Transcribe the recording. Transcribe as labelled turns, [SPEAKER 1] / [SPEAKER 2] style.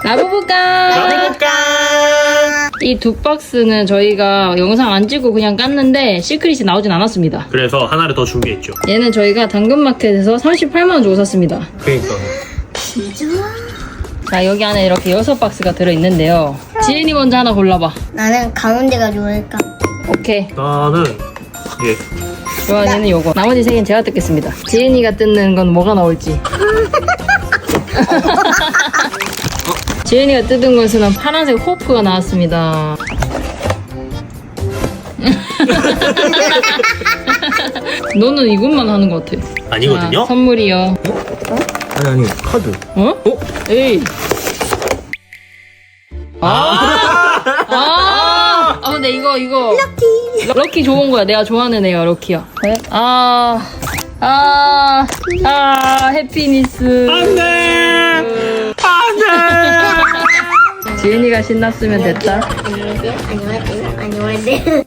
[SPEAKER 1] 나부부까! 이 두 박스는 저희가 영상 안 찍고 그냥 깠는데 시크릿이 나오진 않았습니다.
[SPEAKER 2] 그래서 하나를 더 준비했죠.
[SPEAKER 1] 얘는 저희가 당근마켓에서 38만원 주고 샀습니다.
[SPEAKER 2] 그러니까.
[SPEAKER 1] 자, 여기 안에 이렇게 6박스가 들어있는데요. 지은이 먼저 하나 골라봐.
[SPEAKER 3] 나는 가운데가 좋을까?
[SPEAKER 1] 오케이.
[SPEAKER 2] 나는 예.
[SPEAKER 1] 요한이는 요거. 나머지 3개는 제가 뜯겠습니다. 지은이가 뜯는 건 뭐가 나올지. 지은이가 뜯은 것은 파란색 호프가 나왔습니다. 너는 이것만 하는 것 같아.
[SPEAKER 2] 아니거든요.
[SPEAKER 1] 자, 선물이요.
[SPEAKER 2] 아니 카드.
[SPEAKER 1] 어? 에이. 근데 이거. 럭키 좋은 거야. 내가 좋아하는 애가 럭키야. 네? 해피니스.
[SPEAKER 2] 안돼.
[SPEAKER 1] 지은이가 신났으면 됐다.
[SPEAKER 3] 안녕하세요.